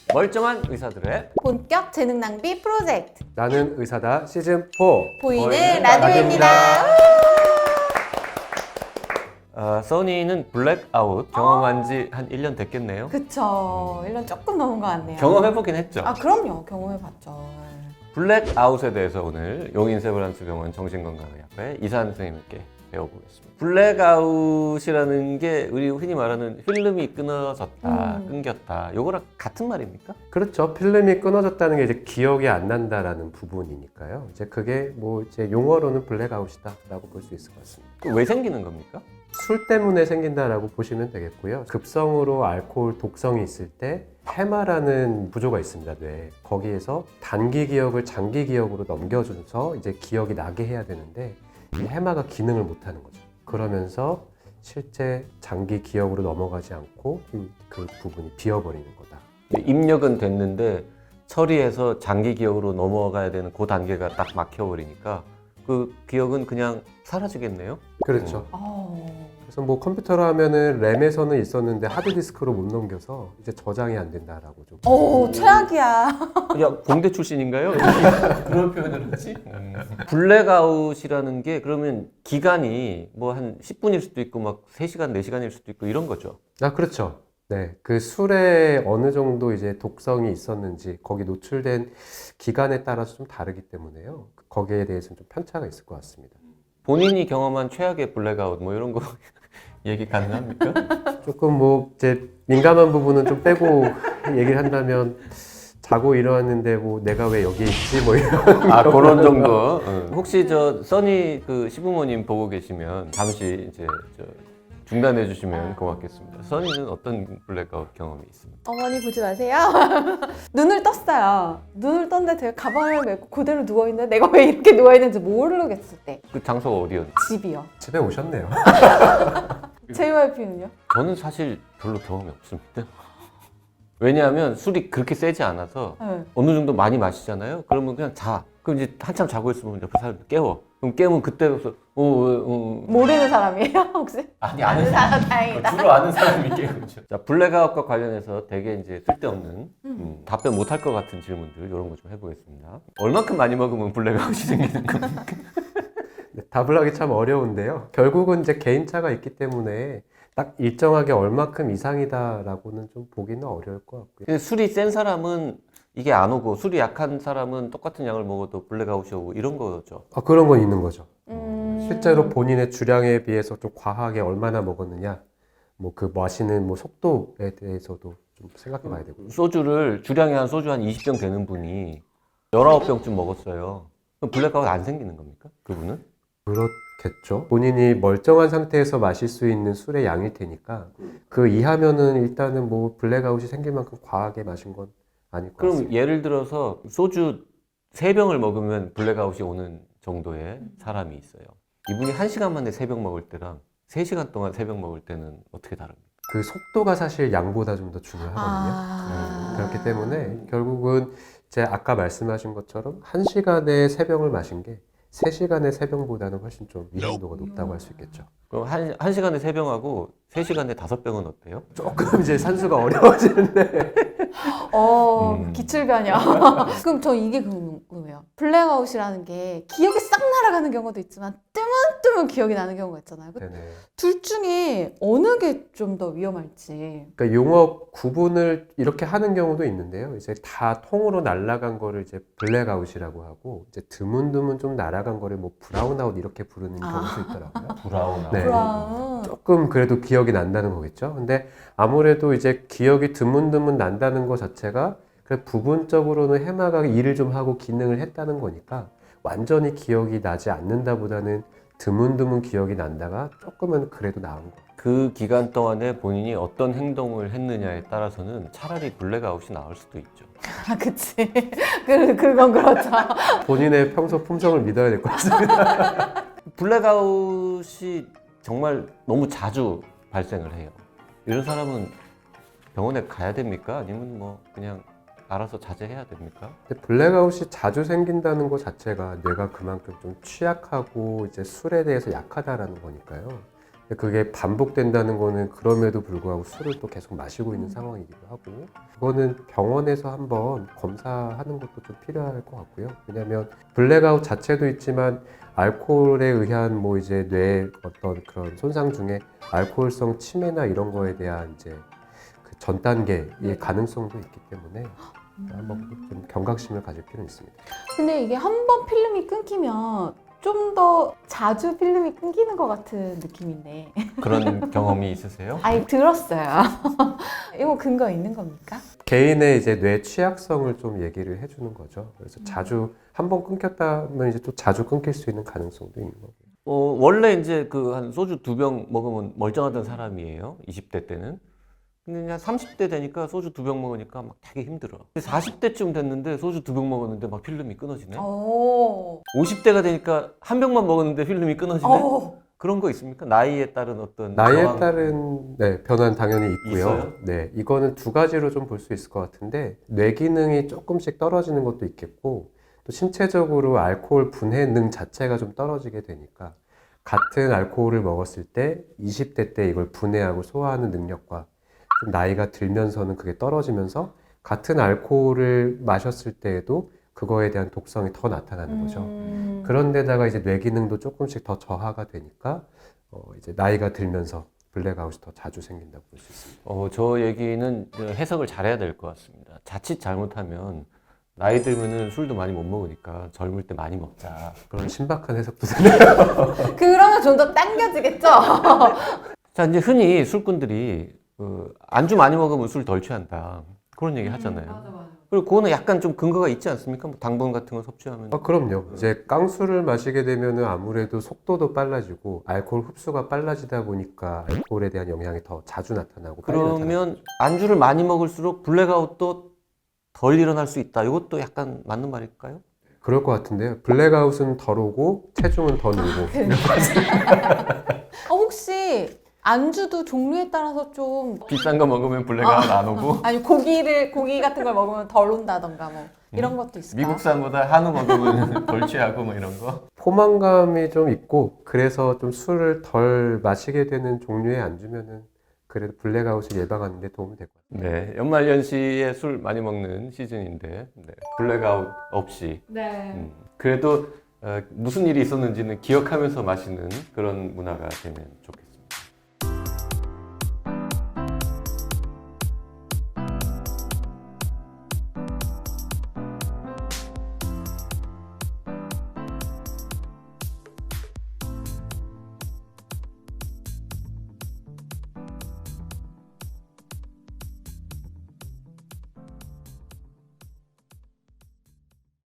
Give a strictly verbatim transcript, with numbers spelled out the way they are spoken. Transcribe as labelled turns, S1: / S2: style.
S1: 멀쩡한 의사들의
S2: 본격 재능 낭비 프로젝트
S3: 나는 의사다 시즌 사.
S2: 보이는
S1: 보이는
S2: 라디오입니다.
S1: 아, 써니는 블랙아웃 경험한 지 한 일 년 됐겠네요.
S2: 그쵸. 일 년 조금 넘은 것 같네요.
S1: 경험해보긴 했죠.
S2: 아 그럼요. 경험해봤죠.
S1: 블랙아웃에 대해서 오늘 용인세브란스 병원 정신건강의학과의 이산 선생님께 배워보겠습니다. 블랙아웃이라는 게 우리 흔히 말하는 필름이 끊어졌다,
S2: 음.
S1: 끊겼다, 요거랑 같은 말입니까?
S3: 그렇죠. 필름이 끊어졌다는 게 이제 기억이 안 난다라는 부분이니까요. 이제 그게 뭐 이제 용어로는 블랙아웃이다라고 볼 수 있을 것 같습니다.
S1: 그 왜 생기는 겁니까?
S3: 술 때문에 생긴다라고 보시면 되겠고요. 급성으로 알코올 독성이 있을 때 해마라는 구조가 있습니다. 뇌에. 거기에서 단기 기억을 장기 기억으로 넘겨줘서 이제 기억이 나게 해야 되는데 이 해마가 기능을 못하는 거죠. 그러면서 실제 장기 기억으로 넘어가지 않고 그 부분이 비어버리는 거다.
S1: 입력은 됐는데 처리해서 장기 기억으로 넘어가야 되는 그 단계가 딱 막혀버리니까 그 기억은 그냥 사라지겠네요?
S3: 그렇죠.
S2: 어...
S3: 그래서 뭐 컴퓨터로 하면은 램에서는 있었는데 하드디스크로 못 넘겨서 이제 저장이 안 된다라고 좀.
S2: 오 최악이야.
S1: 야, 공대 출신인가요? 그런 표현을 하지? 음. 블랙아웃이라는 게 그러면 기간이 뭐 한 십 분일 수도 있고 막 세 시간, 네 시간일 수도 있고 이런 거죠?
S3: 아, 그렇죠. 네. 그 술에 어느 정도 이제 독성이 있었는지 거기 노출된 기간에 따라서 좀 다르기 때문에요. 거기에 대해서는 좀 편차가 있을 것 같습니다.
S1: 본인이 경험한 최악의 블랙아웃 뭐 이런 거 얘기 가능합니까?
S3: 조금 뭐 이제 민감한 부분은 좀 빼고 얘기를 한다면 자고 일어났는데 뭐 내가 왜 여기 있지 뭐 이런.
S1: 아, 그런 정도. 응. 혹시 저 써니 그 시부모님 보고 계시면 잠시 이제 저 중단해 주시면 고맙겠습니다. 써니는 어떤 블랙아웃 경험이 있습니까?
S2: 어머니 보지 마세요. 눈을 떴어요. 눈을 떴는데 제가 가방을 메고 그대로 누워있는데 내가 왜 이렇게 누워있는지 모르겠을 때.
S1: 그 장소가 어디였나요?
S2: 집이요.
S3: 집에 오셨네요.
S2: 제이와이피는요?
S1: 저는 사실 별로 경험이 없습니다. 왜냐하면 술이 그렇게 세지 않아서
S2: 네.
S1: 어느 정도 많이 마시잖아요. 그러면 그냥 자. 그럼 이제 한참 자고 있으면 옆에 사람들 깨워. 그럼 깨면 그때부터 어, 어, 어.
S2: 모르는 사람이에요 혹시?
S1: 아니
S2: 아는 사람 다행이다.
S1: 주로 아는 사람이 깨우죠. 자, 블랙아웃과 관련해서 되게 이제 쓸데없는 음, 답변 못할 것 같은 질문들 이런 거 좀 해보겠습니다. 얼만큼 많이 먹으면 블랙아웃이 생기는 겁니까?
S3: 네, 답을 하기 참 어려운데요. 결국은 이제 개인차가 있기 때문에 딱 일정하게 얼마큼 이상이다라고는 좀 보기는 어려울 것 같고요.
S1: 근데 술이 센 사람은 이게 안 오고 술이 약한 사람은 똑같은 양을 먹어도 블랙아웃이 오고 이런 거죠.
S3: 아, 그런 건 있는 거죠.
S2: 음...
S3: 실제로 본인의 주량에 비해서 좀 과하게 얼마나 먹었느냐, 뭐 그 마시는 뭐 속도에 대해서도 좀 생각해 봐야 되고.
S1: 소주를 주량이 한 소주 한 이십 병 되는 분이 열아홉 병쯤 먹었어요. 그럼 블랙아웃 안 생기는 겁니까? 그분은?
S3: 그렇겠죠. 본인이 멀쩡한 상태에서 마실 수 있는 술의 양일 테니까 그 이하면은 일단은 뭐 블랙아웃이 생길 만큼 과하게 마신 건 아닐 것
S1: 그럼
S3: 같습니다.
S1: 예를 들어서 소주 세 병을 먹으면 블랙아웃이 오는 정도의 사람이 있어요. 이분이 한 시간 만에 세 병 먹을 때랑 세 시간 동안 세 병 먹을 때는 어떻게 다릅니까?
S3: 그 속도가 사실 양보다 좀 더 중요하거든요.
S2: 아...
S3: 음, 그렇기 때문에 결국은 제 아까 말씀하신 것처럼 한 시간에 세 병을 마신 게 세 시간에 세 병보다는 훨씬 좀 위험도가 높다고 할 수 있겠죠.
S1: 그럼 한, 한 시간에 세 병하고 세 시간에 다섯 병은 어때요?
S3: 조금 이제 산수가 어려워지는데
S2: 어
S1: 음.
S2: 기출변형. 그럼 저 이게 궁금해요. 블랙아웃이라는 게 기억이 싹 날아가는 경우도 있지만 뜨문뜨문 기억이 나는 경우가 있잖아요.
S3: 네네.
S2: 둘 중에 어느 게 좀 더 위험할지.
S3: 그러니까 용어 구분을 이렇게 하는 경우도 있는데요. 이제 다 통으로 날아간 거를 이제 블랙아웃이라고 하고 이제 드문드문 좀 날아간 거를 뭐 브라운아웃 이렇게 부르는
S2: 아.
S3: 경우도 있더라고요.
S1: 브라운아웃.
S3: 네.
S2: 브라운.
S3: 조금 그래도 기억이 난다는 거겠죠. 근데 아무래도 이제 기억이 드문드문 난다는 것 자체가 그 부분적으로는 해마가 일을 좀 하고 기능을 했다는 거니까 완전히 기억이 나지 않는다보다는 드문드문 기억이 난다가 조금은 그래도 나은 거.
S1: 그 기간 동안에 본인이 어떤 행동을 했느냐에 따라서는 차라리 블랙아웃이 나올 수도 있죠.
S2: 아 그치. 그, 그건 그렇죠.
S3: 본인의 평소 품성을 믿어야 될 것 같습니다.
S1: 블랙아웃이 정말 너무 자주 발생을 해요. 이런 사람은 병원에 가야 됩니까? 아니면 뭐 그냥 알아서 자제해야 됩니까?
S3: 근데 블랙아웃이 자주 생긴다는 것 자체가 뇌가 그만큼 좀 취약하고 이제 술에 대해서 약하다라는 거니까요. 근데 그게 반복된다는 거는 그럼에도 불구하고 술을 또 계속 마시고 있는 상황이기도 하고 그거는 병원에서 한번 검사하는 것도 좀 필요할 것 같고요. 왜냐하면 블랙아웃 자체도 있지만 알코올에 의한 뭐 이제 뇌 어떤 그런 손상 중에 알코올성 치매나 이런 거에 대한 이제 그 전 단계의 가능성도 있기 때문에 한번 좀 경각심을 가질 필요는 있습니다.
S2: 근데 이게 한 번 필름이 끊기면 좀 더 자주 필름이 끊기는 것 같은 느낌인데.
S1: 그런 경험이 있으세요?
S2: 아니, 들었어요. 이거 근거 있는 겁니까?
S3: 개인의 이제 뇌 취약성을 좀 얘기를 해주는 거죠. 그래서 자주 한 번 끊겼다면 이제 또 자주 끊길 수 있는 가능성도 있는 거고요.
S1: 어, 원래 이제 그 한 소주 두 병 먹으면 멀쩡하던 사람이에요. 이십 대 때는. 근데 그냥 삼십 대 되니까 소주 두 병 먹으니까 막 되게 힘들어. 사십 대쯤 됐는데 소주 두 병 먹었는데 막 필름이 끊어지네.
S2: 오.
S1: 오십 대가 되니까 한 병만 먹었는데 필름이 끊어지네.
S2: 오.
S1: 그런 거 있습니까? 나이에 따른 어떤
S3: 나이에
S1: 저항-
S3: 따른 네, 변화는 당연히 있고요.
S1: 있어요?
S3: 네, 이거는 두 가지로 좀 볼 수 있을 것 같은데 뇌 기능이 조금씩 떨어지는 것도 있겠고 또 신체적으로 알코올 분해능 자체가 좀 떨어지게 되니까 같은 알코올을 먹었을 때 이십 대 때 이걸 분해하고 소화하는 능력과 좀 나이가 들면서는 그게 떨어지면서 같은 알코올을 마셨을 때에도 그거에 대한 독성이 더 나타나는 거죠.
S2: 음.
S3: 그런데다가 이제 뇌 기능도 조금씩 더 저하가 되니까 어 이제 나이가 들면서 블랙아웃이 더 자주 생긴다고 볼 수 있습니다.
S1: 어, 저 얘기는 해석을 잘해야 될 것 같습니다. 자칫 잘못하면 나이 들면은 술도 많이 못 먹으니까 젊을 때 많이 먹자.
S3: 그런 신박한 해석도 되네요.
S2: 그러면 좀 더 당겨지겠죠?
S1: 자, 이제 흔히 술꾼들이 그 안주 많이 먹으면 술 덜 취한다. 그런 얘기 하잖아요.
S2: 맞아.
S1: 그리고 그거는 약간 좀 근거가 있지 않습니까? 뭐 당분 같은 거 섭취하면.
S3: 아, 그럼요. 이제 깡술을 마시게 되면은 아무래도 속도도 빨라지고 알코올 흡수가 빨라지다 보니까 알코올에 대한 영향이 더 자주 나타나고 빨리 나타나고.
S1: 그러면 안주를 많이 먹을수록 블랙아웃도 덜 일어날 수 있다. 이것도 약간 맞는 말일까요?
S3: 그럴 것 같은데요. 블랙아웃은 덜 오고 체중은 더 늘고.
S2: 어, 혹시 안주도 종류에 따라서 좀
S1: 비싼 거 먹으면 블랙아웃 안 오고
S2: 아니 고기를 고기 같은 걸 먹으면 덜 온다던가 뭐 이런 것도 있을까?
S1: 미국산보다 한우 먹으면 덜 취하고 뭐 이런 거.
S3: 포만감이 좀 있고 그래서 좀 술을 덜 마시게 되는 종류의 안주면은 그래도 블랙아웃을 예방하는 데 도움이 될 것 같아요.
S1: 네, 연말연시에 술 많이 먹는 시즌인데 네, 블랙아웃 없이
S2: 네.
S1: 음, 그래도 어, 무슨 일이 있었는지는 기억하면서 마시는 그런 문화가 되면 좋겠습니다.